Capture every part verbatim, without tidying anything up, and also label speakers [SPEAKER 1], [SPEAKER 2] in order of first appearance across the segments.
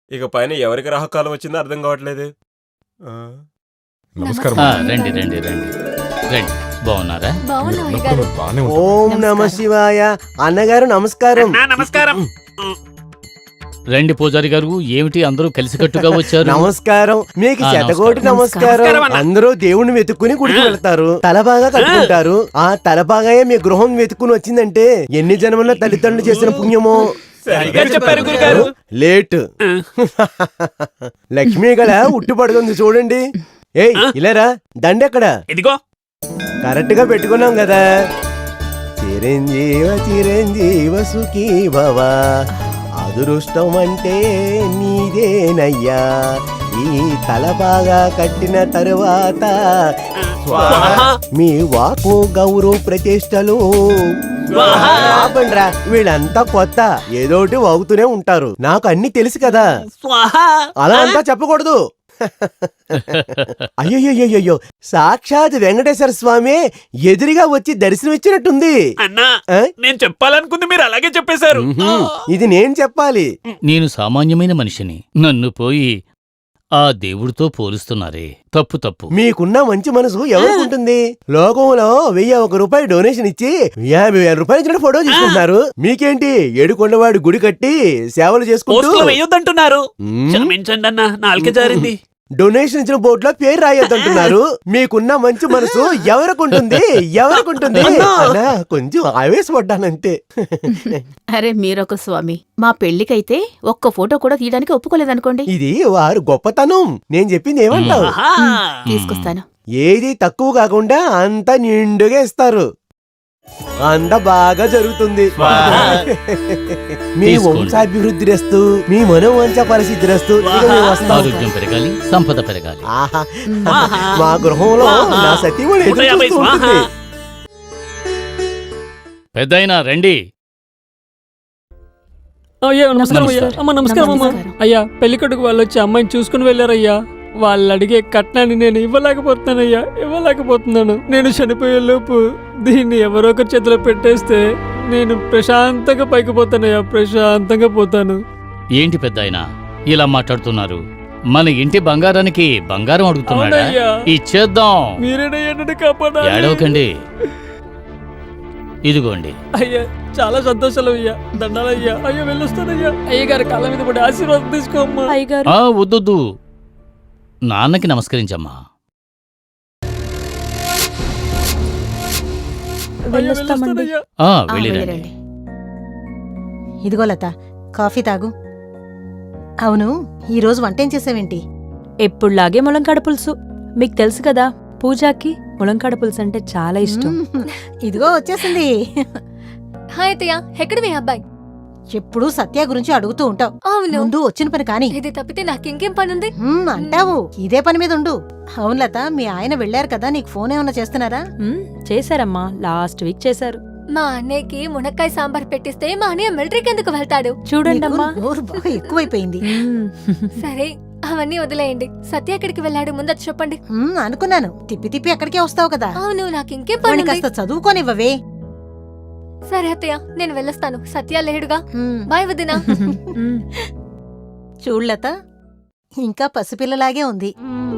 [SPEAKER 1] ఇక పైన ఎవరికి రాహకాలం వచ్చిందో అర్థం కావట్లేదు.
[SPEAKER 2] నమస్కారం.
[SPEAKER 3] రండి రండి రండి రండి. బాగున్నారా?
[SPEAKER 4] ఓం నమ శివాయ. అన్నగారు నమస్కారం.
[SPEAKER 5] నమస్కారం.
[SPEAKER 3] రండి పూజారి గారు, ఏమిటి అందరూ కలిసికట్టుగా వచ్చారు?
[SPEAKER 4] నమస్కారం. మీకు శతకోటి నమస్కారం. అందరూ దేవుణ్ణి వెతుక్కుని గుడికి వెళ్తారు, తల బాగా కట్టుకుంటారు. ఆ తల బాగా మీ గృహం వెతుక్కుని వచ్చిందంటే ఎన్ని జన్మల్లో తల్లిదండ్రులు చేసిన పుణ్యమో.
[SPEAKER 5] చెప్పారు గురుగారు.
[SPEAKER 4] లేట్. లక్ష్మీ గల ఉట్టి పడుతుంది చూడండి. ఏయ్ ఇలారా, దండెక్కడ?
[SPEAKER 5] ఇదిగో.
[SPEAKER 4] కరెక్ట్ గా పెట్టుకున్నాం కదా. చిరంజీవ చిరంజీవ సుఖీ భవ, అదృష్టం అంటే నీదేనయ్యా. ఈ తల బాగా కట్టిన తరువాత మీ వాకు గౌరవ ప్రతిష్టలు. ఆపండ్రా, వీళ్ళంతా కొత్త, ఏదోటి వాగుతూనే ఉంటారు. నాకు అన్ని తెలుసు కదా. అలా అంతా చెప్పకూడదు. అయ్యో, సాక్షాత్ వెంకటేశ్వర స్వామి ఎదురుగా వచ్చి దర్శనం ఇచ్చినట్టుంది.
[SPEAKER 5] అన్నా, నేను చెప్పాలనుకుంది మీరు అలాగే చెప్పేశారు.
[SPEAKER 4] ఇది నేను చెప్పాలి.
[SPEAKER 3] నేను సామాన్యమైన మనిషిని, నన్ను పోయి ఆ దేవుడితో పోలుస్తున్నారే, తప్పు తప్పు.
[SPEAKER 4] మీకున్న మంచి మనసు ఎవరికి? లోకంలో వెయ్యి ఒక రూపాయి డొనేషన్ ఇచ్చి యాభై వేల రూపాయలు ఇచ్చిన ఫోటో తీసుకుంటున్నారు. మీకేంటి ఏడుకొండవాడు గుడి కట్టి సేవలు చేసుకుంటూ
[SPEAKER 5] వేయొద్దంటున్నారు. క్షమించండి అన్న, నాలుక జారింది.
[SPEAKER 4] డొనేషన్ ఇచ్చిన బోర్డులో పేరు రాయొద్దంటున్నారు. మీకున్న మంచి మనసు ఎవరికుంటుంది? ఎవరికుంటుంది? కొంచెం ఆవేశపడ్డానంతే.
[SPEAKER 6] అరే మీరొక స్వామి, మా పెళ్లికైతే ఒక్క ఫోటో కూడా తీయడానికి ఒప్పుకోలేదనుకోండి.
[SPEAKER 4] ఇది వారు గొప్పతనం. నేను చెప్పింది ఏమంటావు?
[SPEAKER 6] తీసుకొస్తాను.
[SPEAKER 4] ఏది తక్కువ కాకుండా అంతా నిండుగా ఇస్తారు. అంత బాగా జరుగుతుంది. మీ వంశాభివృద్ధి రస్తు, మీ మనోవంచ పరిస్థితి రస్తు.
[SPEAKER 3] ఆరోగ్యం పెరగాలి, సంపద పెరగాలి.
[SPEAKER 4] మా గృహంలో నా సతీమణి ఎదురు చూస్తూ ఉంటుంది.
[SPEAKER 3] పెద్దయినా రండి.
[SPEAKER 7] అయ్యా నమస్కారం. అయ్యా అమ్మ నమస్కారం అమ్మా. అయ్యా పెళ్లికొడుకు వాళ్ళు వచ్చి అమ్మాయిని చూసుకుని వెళ్ళారయ్యా. వాళ్ళు అడిగే కట్నాన్ని నేను ఇవ్వలేకపోతున్నానయ్యా, ఇవ్వలేకపోతున్నాను. నేను చనిపోయే లోపు దీన్ని ఎవరో ఒకరి చేతిలో పెట్టేస్తే నేను ప్రశాంతంగా పైకి పోతానయ్యా, ప్రశాంతంగా పోతాను.
[SPEAKER 3] ఏంటి పెద్దాయనా ఇలా మాట్లాడుతున్నారు? మన ఇంటి బంగారానికి బంగారం అడుగుతున్నాడా? ఇచ్చేద్దాం.
[SPEAKER 7] మీరేనయ్యా నన్ను కాపాడాలి.
[SPEAKER 3] ఏడవకండి, ఇదిగోండి.
[SPEAKER 7] అయ్యా చాలా సంతోషాలు అయ్యా, దండాలయ్యా. అయ్యో వెళ్ళొస్తానయ్యా. అయ్యగారి కాళ్ళ మీద పడి ఆశీర్వాదం తీసుకోమ్మా.
[SPEAKER 6] అయ్యగారు
[SPEAKER 3] వద్దొద్దు, నాన్నకి నమస్కరించమ్మా. వెళ్ళిరండి.
[SPEAKER 8] ఇదిగో లత, కాఫీ తాగు. అవును, ఈ రోజు వంటేం చేసావేంటి?
[SPEAKER 9] ఎప్పుడులాగే ములంకాడ పులుసు. మీకు తెలుసు కదా, పూజాకి ములంకాడ పులుసు అంటే చాలా ఇష్టం.
[SPEAKER 8] ఇదిగో వచ్చేసింది.
[SPEAKER 10] హాయ్ అత్తయ్య, ఎక్కడ మీ అబ్బాయి?
[SPEAKER 8] ఎప్పుడు సత్య గురించి అడుగుతూ ఉంటావు.
[SPEAKER 10] అవును,
[SPEAKER 8] ముందు వచ్చిన పని కాని.
[SPEAKER 10] ఇది తప్పితే నాకింకేం పనుంది?
[SPEAKER 8] అంటావు, ఇదే పని మీద ఉండు. అవును లత, మీ ఆయన వెళ్లారు కదా, నీకు ఫోన్ ఏమన్నా చేస్తున్నారా?
[SPEAKER 9] చేశారమ్మా, లాస్ట్ వీక్ చేశారు.
[SPEAKER 10] మా అన్నయ్యకి మునక్కాయ సాంబార్ పెట్టిస్తే మా అన్నయ్య మిలిటరీకి ఎందుకు వెళ్తాడు?
[SPEAKER 9] చూడండి అమ్మా,
[SPEAKER 8] బాగా ఎక్కువైపోయింది.
[SPEAKER 10] సరే అవన్నీ వదిలేయండి. సత్య ఎక్కడికి వెళ్ళాడు ముందు చెప్పండి.
[SPEAKER 8] అనుకున్నాను, తిప్పి తిప్పి అక్కడికే వస్తావు కదా.
[SPEAKER 10] అవును, నాకింకేం పని?
[SPEAKER 8] కాస్త చదువుకోనివ్వవే.
[SPEAKER 10] సరే అత్తయ్య, నేను వెళ్ళొస్తాను. సత్య లేడుగా. బాయ్ వదినా.
[SPEAKER 8] చూడలత, ఇంకా పసిపిల్లలాగే ఉంది.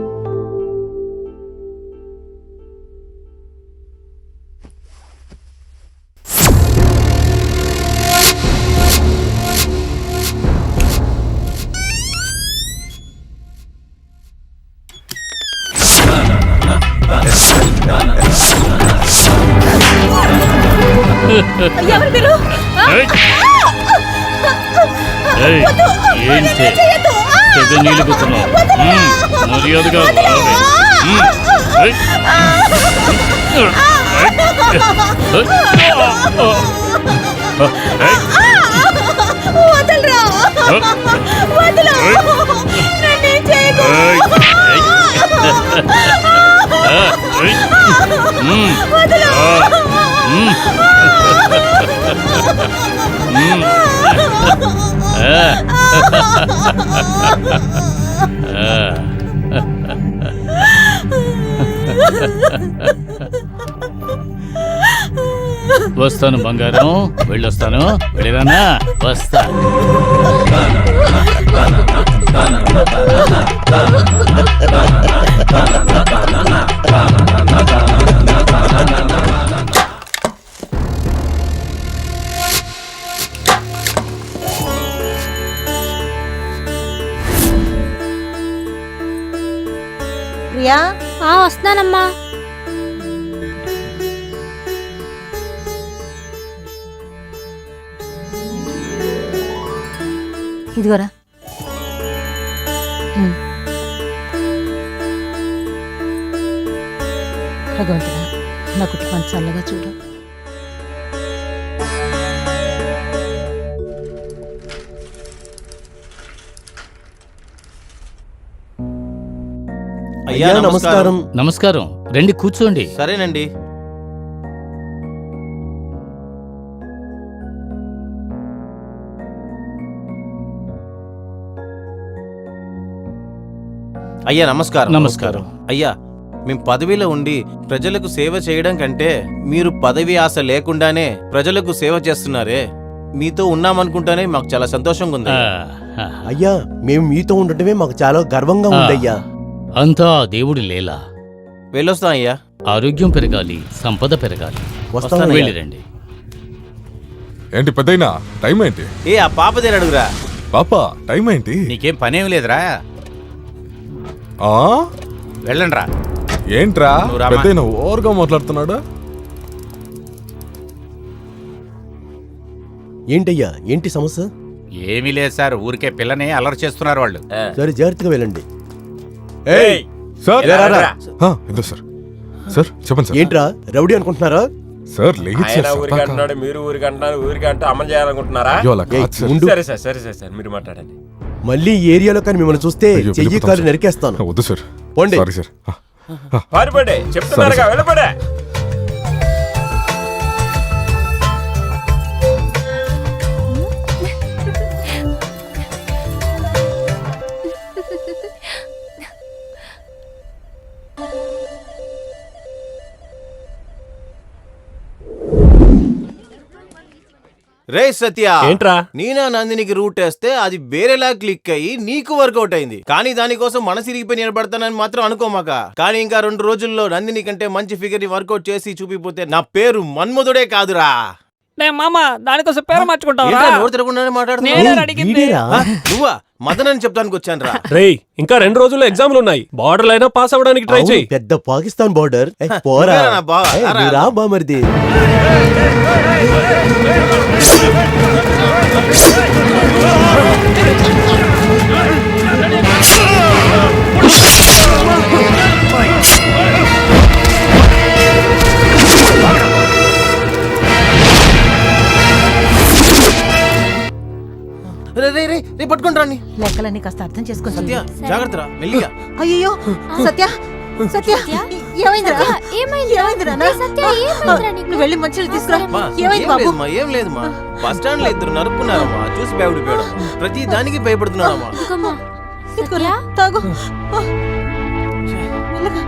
[SPEAKER 3] వస్తాను బంగారం, వెళ్ళొస్తాను. వెళ్ళిరానా? వస్తా.
[SPEAKER 8] సత్య
[SPEAKER 10] ఆ వస్తున్నానమ్మా.
[SPEAKER 8] ఇదిగోరా. ఉమ్. భగవంతుడా నా కుటుంబం చల్లగా చూడు.
[SPEAKER 4] అయ్యా నమస్కారం.
[SPEAKER 3] నమస్కారం, రండి కూర్చోండి.
[SPEAKER 2] సరేనండి. అయ్యా నమస్కారం.
[SPEAKER 3] నమస్కారం.
[SPEAKER 2] అయ్యా మేము పదవిలో ఉండి ప్రజలకు సేవ చేయడం కంటే మీరు పదవి ఆశ లేకుండానే ప్రజలకు సేవ చేస్తున్నారే, మీతో ఉన్నామనుకుంటానే మాకు చాలా సంతోషంగా ఉంది.
[SPEAKER 3] ఆ, ఆ,
[SPEAKER 4] అయ్యా మేము మీతో ఉండటమే మాకు చాలా గర్వంగా ఉందయ్యా.
[SPEAKER 3] అంతా ఆ దేవుడి లీల.
[SPEAKER 2] వెళ్ళొస్తాం అయ్యా.
[SPEAKER 3] ఆరోగ్యం పెరగాలి, సంపద పెరగాలి.
[SPEAKER 4] వస్తానయ్యా.
[SPEAKER 3] వెళ్ళిరండి.
[SPEAKER 11] ఏంటి పెద్దయినా టైం ఏంటి?
[SPEAKER 2] ఏ ఆ పాప దేని అడుగురా.
[SPEAKER 11] పాప టైం ఏంటి?
[SPEAKER 2] నీకేం పనేం లేదురా,
[SPEAKER 11] ఆ
[SPEAKER 2] వెళ్ళండ్రా.
[SPEAKER 11] ఏంట్రా
[SPEAKER 2] నువ్వు రామా.
[SPEAKER 11] పెద్దయినా ఓవర్గా మాట్లాడుతున్నాడు?
[SPEAKER 4] ఏంటయ్యా ఏంటి సమస్య?
[SPEAKER 2] ఏమీ లేదు సార్, ఊరికే పిల్లని అలర్ చేస్తున్నారు వాళ్ళు.
[SPEAKER 4] సరే జాగ్రత్తగా వెళ్ళండి.
[SPEAKER 1] ఏయ్,
[SPEAKER 11] సార్
[SPEAKER 1] ఇలా రారా.
[SPEAKER 11] ఆ, ఇదో సార్. సార్ చెప్పండి సార్.
[SPEAKER 4] ఏంట్రా రౌడీ అనుకుంటున్నారా?
[SPEAKER 11] సార్ లేదు
[SPEAKER 1] ఆయన
[SPEAKER 11] సార్.
[SPEAKER 1] ఊరికి అంటున్నాడు, మీరు ఊరికి అంటున్నారు, ఊరికి అంటే అమలు చేయాలనుకుంటున్నారా?
[SPEAKER 11] అయ్యో, అలా
[SPEAKER 4] ఏయ్,
[SPEAKER 11] కాదు సార్.
[SPEAKER 4] ఉండు.
[SPEAKER 1] సరే సార్ సరే సరే సార్ మీరు మాట్లాడండి.
[SPEAKER 4] మళ్ళీ ఈ ఏరియాలో కానీ మిమ్మల్ని చూస్తే
[SPEAKER 11] అయ్యో,
[SPEAKER 4] చెయ్యి
[SPEAKER 11] వెళ్ళిపోతాం
[SPEAKER 4] కాలు
[SPEAKER 11] సార్.
[SPEAKER 4] నరికేస్తాను.
[SPEAKER 11] వద్దు సార్.
[SPEAKER 4] పోండి.
[SPEAKER 11] Sorry sir. ఆ, ఆ,
[SPEAKER 1] పారిపడే చెప్తున్నారుగా,
[SPEAKER 11] సరే, సరే.
[SPEAKER 1] వెళ్ళపడే.
[SPEAKER 2] రే సత్య,
[SPEAKER 1] ఏంట్రా?
[SPEAKER 2] నీనా నందినికి రూట్ వేస్తే అది వేరేలా క్లిక్ అయ్యి నీకు వర్కౌట్ అయింది, కానీ దానికోసం మనసు ఇరిగిపోయి నిలబడతానని మాత్రం అనుకోమాక. కానీ ఇంకా రెండు రోజుల్లో నందిని కంటే మంచి ఫిగర్ ని వర్కౌట్ చేసి చూపిపోతే నా పేరు మన్మధుడే కాదురా.
[SPEAKER 7] నే మామ దానికోసం పేరు మార్చుకుంటావా?
[SPEAKER 2] ఏంట్రా నోరు తిరగకుండానే
[SPEAKER 7] నేనే
[SPEAKER 2] మాట్లాడుతున్నావు?
[SPEAKER 7] అడిగింది.
[SPEAKER 4] వీడేరా?
[SPEAKER 2] ఆ, నువ్వా? మదన్ అని చెప్తానికి వచ్చాను రా.
[SPEAKER 1] రేయ్, ఇంకా రెండు రోజుల్లో ఎగ్జామ్లు ఉన్నాయి, బార్డర్ అయినా పాస్ అవ్వడానికి ట్రై
[SPEAKER 4] అవును,
[SPEAKER 1] చేయి.
[SPEAKER 4] పెద్ద పాకిస్తాన్ బార్డర్. ఏయ్, పోరా.
[SPEAKER 2] నువ్వేరా నా బావ?
[SPEAKER 4] ఏయ్,
[SPEAKER 2] రా,
[SPEAKER 4] నువ్వు
[SPEAKER 2] రా.
[SPEAKER 4] రా బామర్ది.
[SPEAKER 2] రే రే రే రే పట్టుకుంటా నీ.
[SPEAKER 8] లెక్కలన్నీ కాస్త అర్థం చేసుకొని
[SPEAKER 2] సత్య
[SPEAKER 8] చెయ్యి.
[SPEAKER 2] జాగ్రత్త రా, మెల్లిగా.
[SPEAKER 8] అయ్యో సత్య సత్య ఏమైందిరా? ఏమైందిరా నా? నువ్వు వెళ్ళి మంచిలు తీసుకురా.
[SPEAKER 2] మా,
[SPEAKER 8] ఏమైంది
[SPEAKER 2] ఏం
[SPEAKER 8] బాబు?
[SPEAKER 2] లేదమ్మా, ఏం లేదమ్మా. బస్ స్టాండ్ లో ఇద్దరు నరుక్కున్నారమ్మా, చూసి భయపడిపోయాడు. ప్రతి దానికి భయపడుతున్నాడమ్మా.
[SPEAKER 8] ఇదిగోరా, తాగు. ఆ. మెల్లగా.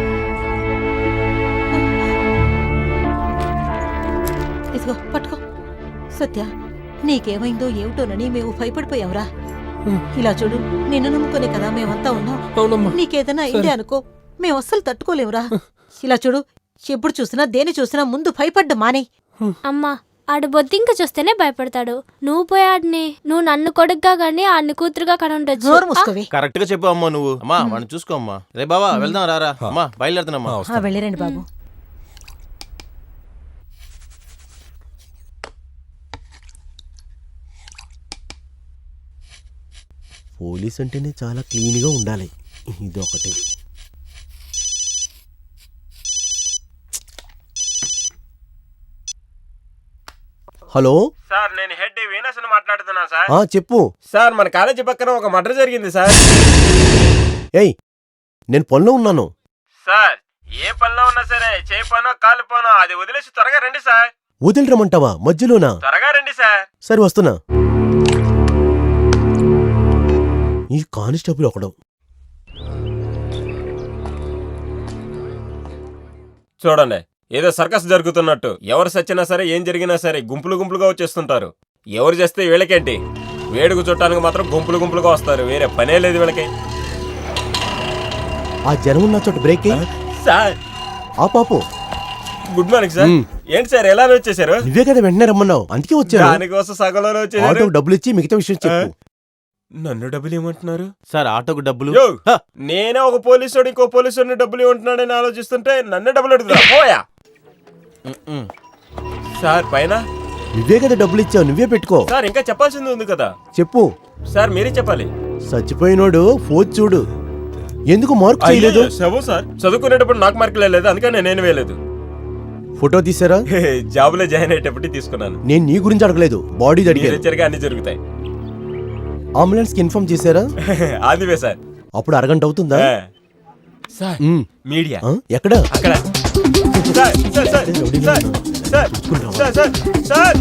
[SPEAKER 8] ఇదిగో పట్టుకో. సత్య నీకేమైందో ఏమిటోనని మేము భయపడిపోయావురా. ఇలా చూడు, నిన్ను నమ్ముకునే కదా మేమంతా ఉన్నాం.
[SPEAKER 7] అవునమ్మా.
[SPEAKER 8] నీకేదైనా అయిందే అనుకో, మేము అస్సలు తట్టుకోలేవురా. ఇలా చూడు, ఎప్పుడు చూసినా దేని చూసినా ముందు భయపడ్డ మానే.
[SPEAKER 10] అమ్మా ఆడు బొద్దింక చూస్తేనే భయపడతాడు. నువ్వు పోయాడిని, నువ్వు నన్ను కొడుగ్గా గాని ఆడిని కూతురుగా కనుండొచ్చు.
[SPEAKER 8] నోరు మూసుకోవి.
[SPEAKER 2] కరెక్ట్ గా చెప్పు అమ్మా నువ్వు. అమ్మా వాడిని చూసుకో అమ్మా. రే బావా వెళ్దాం రారా. అమ్మా బయలుదేరుతున్నామ్మా.
[SPEAKER 8] ఆ, వెళ్ళిరండి బాబు.
[SPEAKER 4] పోలీస్ అంటేనే చాలా క్లీన్ గా ఉండాలి. ఇదొకటి. హలో
[SPEAKER 1] సార్ నేను హెడ్ వీనస్ మాట్లాడుతున్నా సార్.
[SPEAKER 4] ఆ చెప్పు.
[SPEAKER 1] సార్ మన కాలేజీ పక్కన ఒక మర్డర్ జరిగింది సార్.
[SPEAKER 4] ఏయ్ నేను పనిలో ఉన్నాను.
[SPEAKER 1] సార్ ఏ పనిలో ఉన్నా సరే, చేయి పనో కాలు పనో అది వదిలేసి త్వరగా రండి సార్.
[SPEAKER 4] వదిలిరమంటావా మధ్యలోనా?
[SPEAKER 1] త్వరగా రండి సార్.
[SPEAKER 4] సరే వస్తున్నా. ఈ కానిస్టేబుల్ ఒకడు.
[SPEAKER 1] చూడండి, ఏదో సర్కస్ జరుగుతున్నట్టు ఎవరు సచ్చినా సరే, ఏం జరిగినా సరే గుంపులు గుంపులుగా వచ్చేస్తుంటారు. ఎవరు చేస్తే వీళ్ళకేంటి, వేడుకు చుట్టానికి మాత్రం గుంపులు గుంపులుగా వస్తారు. వేరే పనే లేదు వీళ్ళకి.
[SPEAKER 4] ఆ జనం ఉన్న చోట బ్రేక్ ఎయ్.
[SPEAKER 1] సార్
[SPEAKER 4] ఆ పాపు.
[SPEAKER 1] Good morning sir.
[SPEAKER 4] మ్.
[SPEAKER 1] ఏంటి సార్ ఎలా వచ్చేసారు?
[SPEAKER 4] నువ్వే కదా వెంటనే రమ్మన్నావు, అందుకే వచ్చాను.
[SPEAKER 1] దానికోసం సగంలో వచ్చేసారు.
[SPEAKER 4] ఆటోకి డబ్బులు ఇచ్చి మిగతా విషయం చెప్పు.
[SPEAKER 1] నన్ను డబ్బులు ఏమంటున్నారు?
[SPEAKER 2] సార్ ఆటోకు డబ్బులు
[SPEAKER 1] యో, నేనే ఒక పోలీసు ఇంకో పోలీసు డబ్బులు ఏమంటున్నాడని ఆలోచిస్తుంటే నన్ను డబ్బులు అడుగుతా పోయా. సార్ పైన
[SPEAKER 4] నువ్వే కదా డబ్బులు ఇచ్చావు, నువ్వే పెట్టుకో.
[SPEAKER 1] సార్ ఇంకా చెప్పాల్సింది ఉంది కదా.
[SPEAKER 4] చెప్పు.
[SPEAKER 1] సార్ మీరే చెప్పాలి.
[SPEAKER 4] చచ్చిపోయినోడు ఫోన్ చూడు, ఎందుకు మార్క్ చేయలేదు?
[SPEAKER 1] శవం సార్, చదువుకునేటప్పుడు నాకు మార్కులు లేదు, అందుకని నేను వేయలేదు.
[SPEAKER 4] ఫోటో తీసారా?
[SPEAKER 1] జాబ్ లో జాయిన్ అయ్యేటప్పుడు తీసుకున్నాను.
[SPEAKER 4] నేను నీ గురించి అడగలేదు, బాడీ అడిగాను.
[SPEAKER 1] జరిగా అన్ని జరుగుతాయి.
[SPEAKER 4] అంబులెన్స్ కి ఇన్ఫార్మ్ చేశారా?
[SPEAKER 1] ఆదివే సార్.
[SPEAKER 4] అప్పుడు అరగంట అవుతుందా?
[SPEAKER 1] సార్
[SPEAKER 4] ఉమ్.
[SPEAKER 1] మీడియా
[SPEAKER 4] ఆ, ఎక్కడ?
[SPEAKER 1] అక్కడ. Sir sir sir sir sir sir sir sir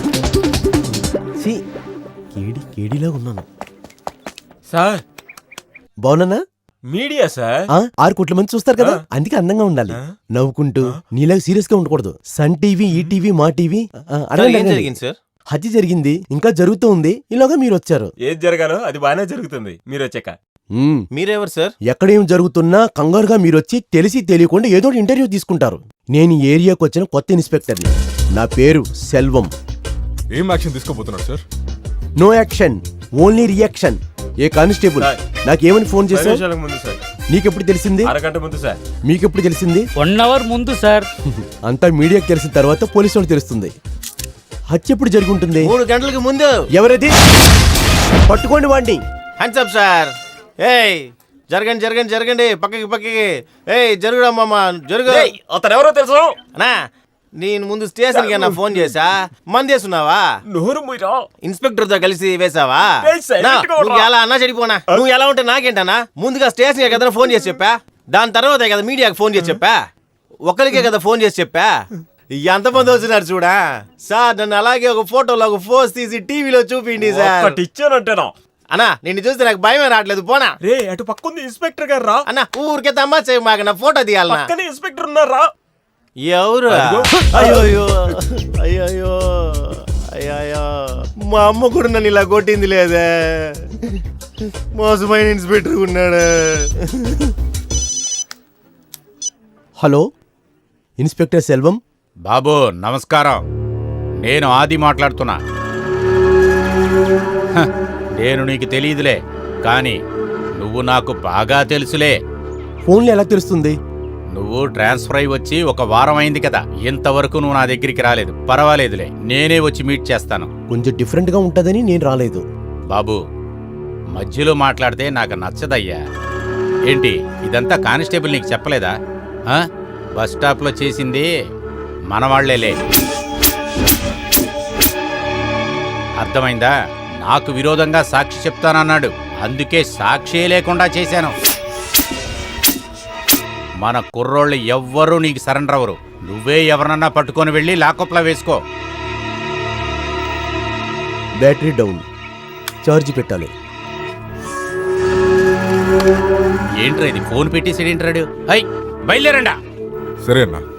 [SPEAKER 4] సి కేడి కేడిలా ఉన్నాను.
[SPEAKER 1] సార్
[SPEAKER 4] బాగున్నానా?
[SPEAKER 1] Media sir.
[SPEAKER 4] ఆ, ఆరు కోట్ల మంది చూస్తారు కదా, అందుకే అందంగా ఉండాలి, నవ్వుకుంటూ. నీలాగా సీరియస్ గా ఉండకూడదు. Sun TV, E TV, Maa TV.
[SPEAKER 2] ఏం జరిగింది సార్?
[SPEAKER 4] హత్య జరిగింది, ఇంకా జరుగుతూ ఉంది. ఇలాగా మీరు వచ్చారు.
[SPEAKER 1] ఏది జరగాలో అది బాగానే జరుగుతుంది మీరు వచ్చాక.
[SPEAKER 4] మ్మ్.
[SPEAKER 2] మీరెవరు సార్?
[SPEAKER 4] ఎక్కడేం జరుగుతున్నా కంగారుగా మీరొచ్చి తెలిసి తెలియకుండా ఏదో ఒకటి ఇంటర్వ్యూ తీసుకుంటారు. నేను ఈ ఏరియాకి వచ్చిన కొత్త ఇన్స్పెక్టర్ని. నా పేరు సెల్వం.
[SPEAKER 11] ఏం యాక్షన్ తీసుకోబోతున్నాడు sir?
[SPEAKER 4] No action, only reaction. ఏ కానిస్టేబుల్,
[SPEAKER 1] సార్.
[SPEAKER 4] నాకేమని ఫోన్
[SPEAKER 1] పది
[SPEAKER 4] చేశావు?
[SPEAKER 1] నిమిషాలకు ముందు సార్.
[SPEAKER 4] నీకెప్పుడు తెలిసింది?
[SPEAKER 1] అరగంట ముందు సార్.
[SPEAKER 4] మీకెప్పుడు తెలిసింది?
[SPEAKER 3] వన్ అవర్ ముందు సార్.
[SPEAKER 4] అంతా మీడియాకి తెలిసిన తర్వాత పోలీసు వాళ్ళు తెలుస్తుంది. హత్య ఎప్పుడు జరిగి ఉంటుంది?
[SPEAKER 2] మూడు గంటలకు ముందు.
[SPEAKER 4] ఎవరది? పట్టుకోండి వాడిని.
[SPEAKER 2] Hands up sir. ఏయ్ జరగండి జరగండి జరగండి, పక్కకి పక్కకి. ఏయ్ జరుగుడమ్మా జరుగు.
[SPEAKER 1] అతను ఎవరో తెలుసు
[SPEAKER 2] అన్నా, నేను ముందు స్టేషన్ కి అన్న ఫోన్ చేసా, మందేసున్నావా?
[SPEAKER 1] నోరు మూయరా.
[SPEAKER 2] ఇన్స్పెక్టర్ తో కలిసి వేసావా?
[SPEAKER 1] ఏయ్, silent
[SPEAKER 2] నా,
[SPEAKER 1] గా ఉండరా.
[SPEAKER 2] నువ్వు ఎలా అన్నా చెడిపోనా? నువ్వు ఎలా ఉంటే నాకేంటన్నా? ముందుగా స్టేషన్ కి కదా ఫోన్ చేసి చెప్పా, దాని తర్వాతే కదా మీడియాకి ఫోన్ చేసి చెప్పా, ఒకరికే కదా ఫోన్ చేసి చెప్పా. ఎంతమంది వచ్చినారు చూడా సార్. నన్ను అలాగే ఒక ఫోటోలో ఒక ఫోజ్ తీసి టీవీలో చూపిండి సార్.
[SPEAKER 1] ఒకటి ఇచ్చానంటేనా?
[SPEAKER 2] అన్నా నిన్ను చూస్తే నాకు భయమే రావట్లేదు, పోనా.
[SPEAKER 1] రే అటు పక్కుంది ఇన్స్పెక్టర్ గారు రా.
[SPEAKER 2] అన్న ఊరికే తమ్మా చేయ మాకు, నా ఫోటో తీయాలన్నా.
[SPEAKER 1] పక్కనే ఇన్స్పెక్టర్ ఉన్నారా?
[SPEAKER 2] ఎవరు?
[SPEAKER 1] అదిగో.
[SPEAKER 2] అయ్యో అయ్యో అయ్యో, మా అమ్మ కూడా నన్ను ఇలా కొట్టింది లేదే. మోసమైన ఇన్స్పెక్టర్ ఉన్నాడు.
[SPEAKER 4] Hello, inspector Selvam.
[SPEAKER 12] బాబు నమస్కారం, నేను ఆది మాట్లాడుతున్నా. హ, నేను నీకు తెలియదులే, కానీ నువ్వు నాకు బాగా తెలుసులే.
[SPEAKER 4] ఫోన్లో ఎలా తెలుస్తుంది?
[SPEAKER 12] నువ్వు ట్రాన్స్ఫర్ అయి వచ్చి ఒక వారం అయింది కదా, ఇంతవరకు నువ్వు నా దగ్గరికి రాలేదు. పర్వాలేదులే, నేనే వచ్చి మీట్ చేస్తాను.
[SPEAKER 4] కొంచెం డిఫరెంట్ గా ఉంటదని నేను రాలేదు.
[SPEAKER 12] బాబు మధ్యలో మాట్లాడితే నాకు నచ్చదయ్యా. ఏంటి ఇదంతా కానిస్టేబుల్ నీకు చెప్పలేదా? ఆ? బస్ స్టాప్లో చేసింది మనవాళ్లేలే, అర్థమైందా? నాకు విరోధంగా సాక్షి చెప్తానన్నాడు, అందుకే సాక్షి లేకుండా చేశాను. మన కుర్రోళ్ళు ఎవ్వరూ నీకు సరెండర్ అవ్వరు. నువ్వే ఎవరన్నా పట్టుకొని వెళ్ళి లాకప్లో వేసుకో.
[SPEAKER 4] బ్యాటరీ డౌన్, ఛార్జ్ పెట్టాలి.
[SPEAKER 12] ఏంట్రా ఇది, ఫోన్ పెట్టేసాడు ఏంట్రాడు? అయ్ బయలుదేరండా.
[SPEAKER 11] సరే అన్నా.